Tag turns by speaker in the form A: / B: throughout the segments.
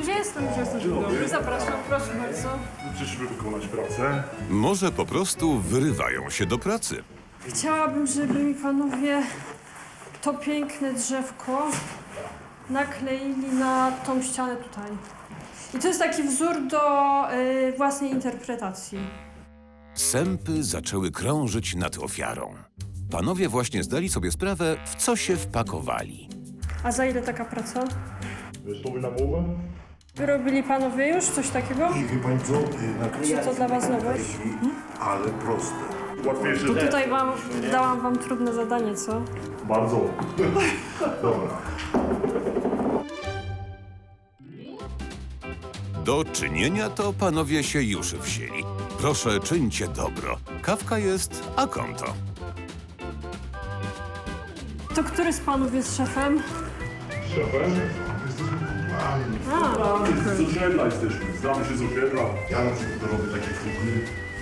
A: gdzie jestem? Gdzie jestem? Dzień dobry, zapraszam, proszę bardzo.
B: Przyszły wykonać pracę.
C: Może po prostu wyrywają się do pracy.
A: Chciałabym, żeby mi panowie to piękne drzewko nakleili na tą ścianę tutaj. I to jest taki wzór do własnej interpretacji.
C: Sępy zaczęły krążyć nad ofiarą. Panowie właśnie zdali sobie sprawę, w co się wpakowali.
A: A za ile taka praca?
B: Gotowy na mowę?
A: Wyrobili panowie już coś takiego?
D: I wie pani co?
A: Czy to dla was nowość?
D: Ale proste.
B: Łatwiejsze.
A: To tutaj dałam wam trudne zadanie, co?
B: Bardzo. Dobra.
C: Do czynienia to panowie się już wzięli. Proszę, czyńcie dobro. Kawka jest, a konto.
A: To który z panów jest szefem?
B: Szefem?
A: A,
B: Z osiedla jesteśmy. Znamy się z osiedla.
D: Ja na przykład robię takie kuchnie.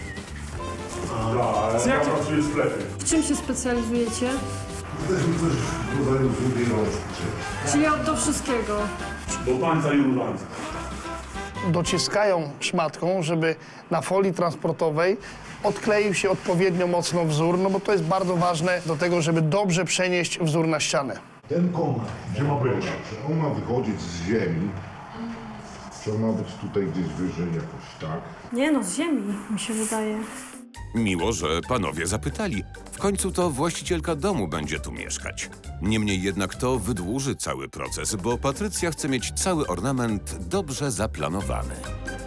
B: Tak, ja pracuję w sklepie.
A: w czym się specjalizujecie?
D: Też mi coś w rodzaju drugiej rączki.
A: Czyli do wszystkiego.
B: Do tańca i rudańca.
E: Dociskają szmatką, żeby na folii transportowej odkleił się odpowiednio mocno wzór, no bo to jest bardzo ważne do tego, żeby dobrze przenieść wzór na ścianę.
D: Ten konar,
B: Gdzie ma być?
D: czy on ma wychodzić z ziemi, czy on ma być tutaj gdzieś wyżej jakoś, tak?
A: Nie no, z ziemi, mi się wydaje.
C: Miło, że panowie zapytali. W końcu to właścicielka domu będzie tu mieszkać. Niemniej jednak to wydłuży cały proces, bo Patrycja chce mieć cały ornament dobrze zaplanowany.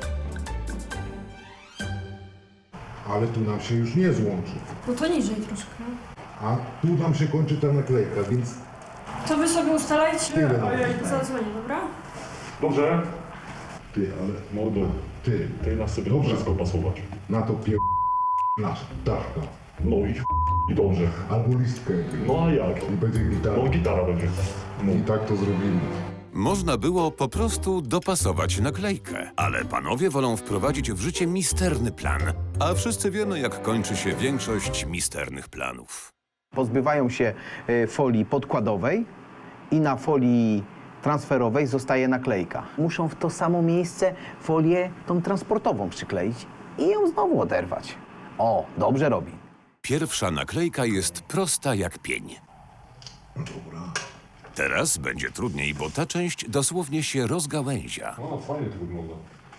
D: Ale tu nam się już nie złączy.
A: No to niżej troszkę.
D: A tu nam się kończy ta naklejka, więc
A: To wy sobie ustalajcie,
D: Tyle.
A: a ja zadzwonię, dobra?
B: Dobrze?
D: ty, ale
B: Mordo,
D: ty,
B: tej nas sobie
D: Dobrze.
B: wszystko pasować.
D: na to nasz ptaszka.
B: No i dobrze.
D: Albo listkę.
B: No a jak?
D: I będzie gitara.
B: No gitara będzie. No.
D: I tak to zrobimy.
C: Można było po prostu dopasować naklejkę, ale panowie wolą wprowadzić w życie misterny plan, a wszyscy wiemy, jak kończy się większość misternych planów.
F: Pozbywają się folii podkładowej i na folii transferowej zostaje naklejka. Muszą w to samo miejsce folię tą transportową przykleić i ją znowu oderwać. O, dobrze robi.
C: Pierwsza naklejka jest prosta jak pień.
D: Dobra.
C: Teraz będzie trudniej, bo ta część dosłownie się rozgałęzia.
B: A, fajnie to wygląda.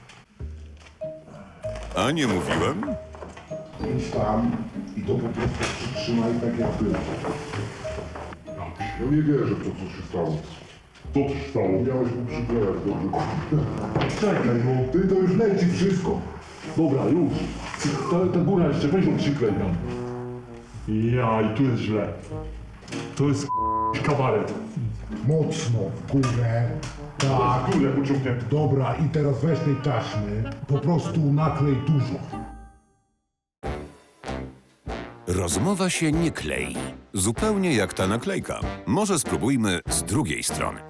C: A nie mówiłem?
D: Idź tam i to po prostu przytrzymaj tak jak było. Ja nie wierzę w to, co się stało.
B: Co się stało?
D: Miałeś mu przyklejać dobrze.
B: Czekaj, no.
D: Ty to już leci wszystko.
B: Dobra, już. Ta góra jeszcze, weź ją przyklej tam. Ja, i tu jest źle. To jest kabaret.
D: Mocno w górę. Tak.
B: Górę pociągnięty.
D: Dobra, i teraz weź tej taśmy. Po prostu naklej dużo.
C: Rozmowa się nie klei. Zupełnie jak ta naklejka. Może spróbujmy z drugiej strony.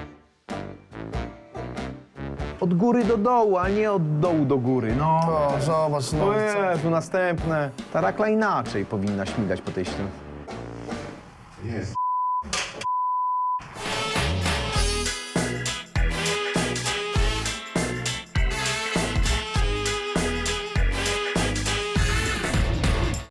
F: Od góry do dołu, a nie od dołu do góry. No.
E: O, zobacz, no.
F: O Jezu, następne. Ta rakla inaczej powinna śmigać po tej ścianie.
D: Jest.